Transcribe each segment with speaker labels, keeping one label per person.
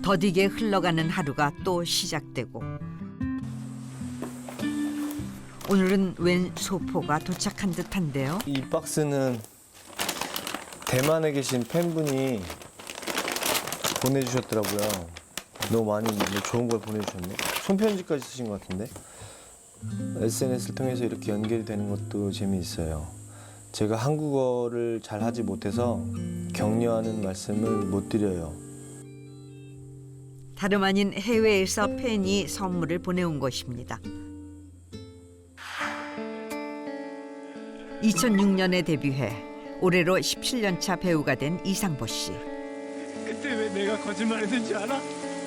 Speaker 1: 더디게 흘러가는 하루가 또 시작되고 오늘은 웬 소포가 도착한 듯한데요.
Speaker 2: 이 박스는 대만에 계신 팬분이 보내주셨더라고요. 너무 많이 좋은 걸 보내주셨네. 손편지까지 쓰신 것 같은데. SNS를 통해서 이렇게 연결이 되는 것도 재미있어요. 제가 한국어를 잘 하지 못해서 격려하는 말씀을 못 드려요.
Speaker 1: 다름 아닌 해외에서 팬이 선물을 보내온 것입니다. 2006년에 데뷔해 올해로 17년 차 배우가 된 이상보 씨.
Speaker 3: 그때 왜 내가 거짓말했는지 알아?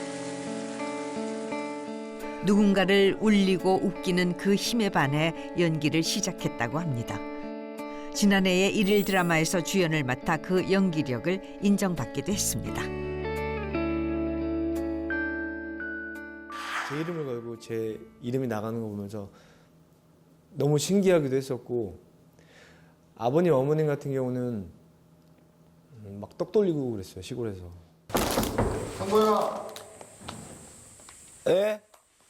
Speaker 1: 누군가를 울리고 웃기는 그 힘에 반해 연기를 시작했다고 합니다. 지난해에 일일 드라마에서 주연을 맡아 그 연기력을 인정받기도 했습니다.
Speaker 2: 제 이름을 걸고 제 이름이 나가는 거 보면서 너무 신기하기도 했었고, 아버님 어머님 같은 경우는 막 떡 돌리고 그랬어요, 시골에서.
Speaker 4: 상보야.
Speaker 2: 예?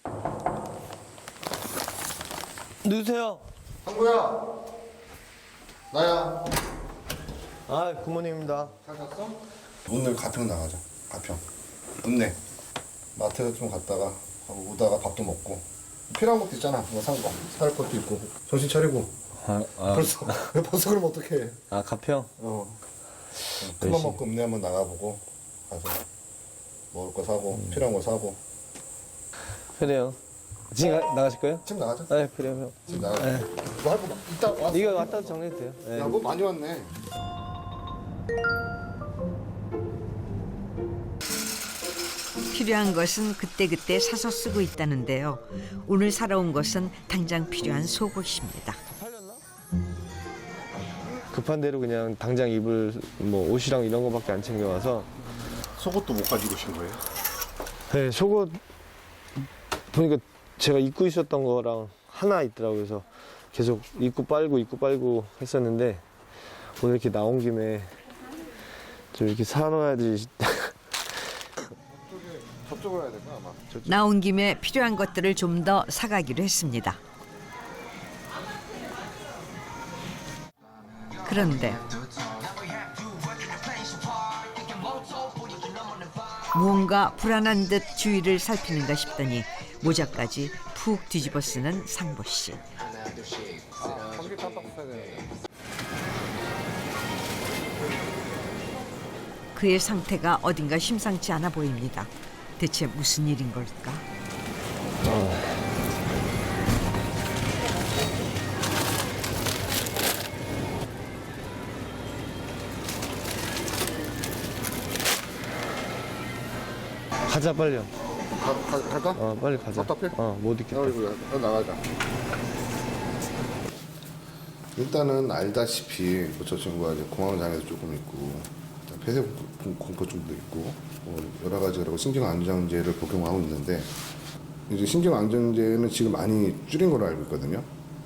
Speaker 2: 누구세요?
Speaker 4: 상보야. 나야.
Speaker 2: 아, 굿모닝입니다.
Speaker 4: 잘 잤어? 오늘 가평 나가자. 가평. 읍내. 마트 좀 갔다가 오다가 밥도 먹고. 필요한 것도 있잖아. 뭐 산 거. 살 것도 있고. 정신 차리고. 벌써 그러면 어떡해.
Speaker 2: 아, 가평?
Speaker 4: 큰맘 먹고 읍내 한번 나가보고 가서 먹을 거 사고 필요한 거 사고.
Speaker 2: 그래요. 지금 나가실 거예요?
Speaker 4: 지금 나가자.
Speaker 2: 네, 그래요.
Speaker 4: 지금 나가자. 뭐 할 거 이따 왔어.
Speaker 2: 이거 왔다 정리해도 돼요. 네.
Speaker 4: 야, 뭐 많이 왔네.
Speaker 1: 필요한 것은 그때그때 사서 쓰고 있다는데요. 오늘 사러 온 것은 당장 필요한 속옷입니다.
Speaker 2: 급한 대로 그냥 당장 입을 뭐 옷이랑 이런 거밖에 안 챙겨와서.
Speaker 4: 속옷도 못 가지고 오신 거예요?
Speaker 2: 네, 속옷 보니까 제가 입고 있었던 거랑 하나 있더라고요. 그래서 계속 입고 빨고 했었는데 오늘 이렇게 나온 김에 좀 이렇게 사놔야지.
Speaker 4: 저쪽으로 해야 될까 아마.
Speaker 1: 나온 김에 필요한 것들을 좀 더 사가기로 했습니다. 그런데 무언가 불안한 듯 주위를 살피는가 싶더니 모자까지 푹 뒤집어 쓰는 상보 씨. 그의 상태가 어딘가 심상치 않아 보입니다. 대체 무슨 일인 걸까?
Speaker 2: 가자 빨리요.
Speaker 4: 갈까?
Speaker 2: 빨리 가자.
Speaker 4: 답답해?
Speaker 2: 못 있겠다.
Speaker 4: 나가자. 일단은 알다시피 뭐 저 친구가 이제 공황장애도 조금 있고 폐쇄 공포증도 있고 여러 가지로 신경안정제를 복용하고 있는데 이제 신경안정제는 지금 많이 줄인 걸로 알고 있거든요.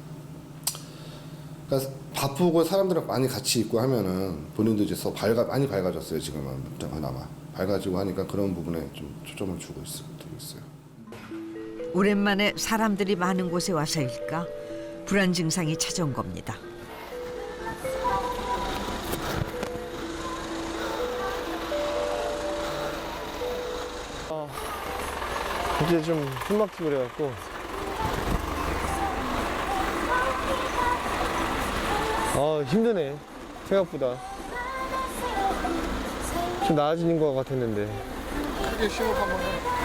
Speaker 4: 그러니까 바쁘고 사람들이랑 많이 같이 있고 하면은 본인도 이제 많이 밝아졌어요. 지금은 그나마 밝아지고 하니까 그런 부분에 좀 초점을 주고 있어요.
Speaker 1: 오랜만에 사람들이 많은 곳에 와서일까? 불안 증상이 찾아온 겁니다.
Speaker 2: 이제 좀 숨막히고 그래갖고 힘드네. 생각보다 좀 나아지는 것 같았는데.
Speaker 4: 크게 심호흡 한번 해.